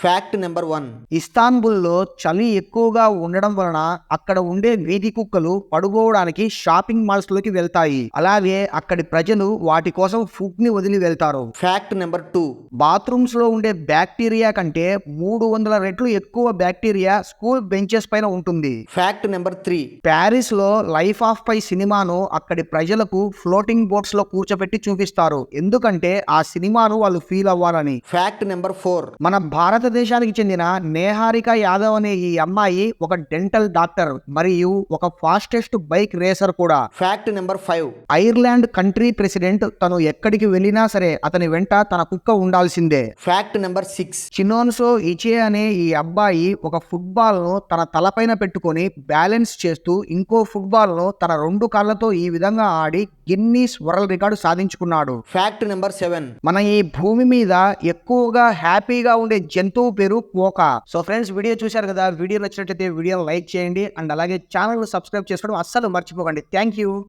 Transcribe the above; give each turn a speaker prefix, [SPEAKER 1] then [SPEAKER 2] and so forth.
[SPEAKER 1] Fact number 1.
[SPEAKER 2] ఇస్తాన్బుల్లో చలి ఎక్కువగా ఉండడం వలన అక్కడ ఉండే వీధి కుక్కలు పడుకోవడానికి షాపింగ్ మాల్స్ లోకి వెళ్తాయి. అలాగే అక్కడి ప్రజలు వాటి కోసం ఫుడ్ ని వదిలి వెళ్తారు.
[SPEAKER 1] Fact number 2.
[SPEAKER 2] బాత్రూమ్స్ లో ఉండే బ్యాక్టీరియా కంటే 300 రెట్లు ఎక్కువ బ్యాక్టీరియా స్కూల్ బెంచెస్ పైన ఉంటుంది.
[SPEAKER 1] Fact number 3.
[SPEAKER 2] ప్యారిస్ లో లైఫ్ ఆఫ్ పై సినిమాను అక్కడి ప్రజలకు ఫ్లోటింగ్ బోట్స్ లో కూర్చోబెట్టి చూపిస్తారు. ఎందుకంటే ఆ సినిమాను వాళ్ళు ఫీల్ అవ్వాలని.
[SPEAKER 1] Fact number 4.
[SPEAKER 2] మన భారతదేశానికి చెందిన నేహారిక యాదవ్ అనే ఈ అమ్మాయి ఒక డెంటల్ డాక్టర్ మరియు ఒక ఫాస్టెస్ట్ బైక్ రేసర్ కూడా.
[SPEAKER 1] Fact number 5.
[SPEAKER 2] Ireland country president తను ఎక్కడికి వెళ్ళినా సరే అతని వెంట తన కుక్క ఉండాల్సిందే.
[SPEAKER 1] Fact number 6.
[SPEAKER 2] చినోన్సో ఇచే అనే ఈ అబ్బాయి ఒక ఫుట్బాల్ ను తన తలపైన పెట్టుకొని బ్యాలెన్స్ చేస్తూ ఇంకో ఫుట్బాల్ ను తన 2 కాళ్లతో ఈ విధంగా ఆడి గిన్నీస్ వరల్డ్ రికార్డు సాధించుకున్నాడు.
[SPEAKER 1] Fact number 7.
[SPEAKER 2] మన ఈ భూమి మీద ఎక్కువగా హ్యాపీగా ఉండే జంతువు పేరు కోక. సో ఫ్రెండ్స్, వీడియో చూశారు కదా. వీడియో నచ్చినట్లయితే వీడియోని లైక్ చేయండి అండ్ అలాగే ఛానల్ సబ్స్క్రైబ్ చేసుకోవడం అస్సలు మర్చిపోకండి. Thank you.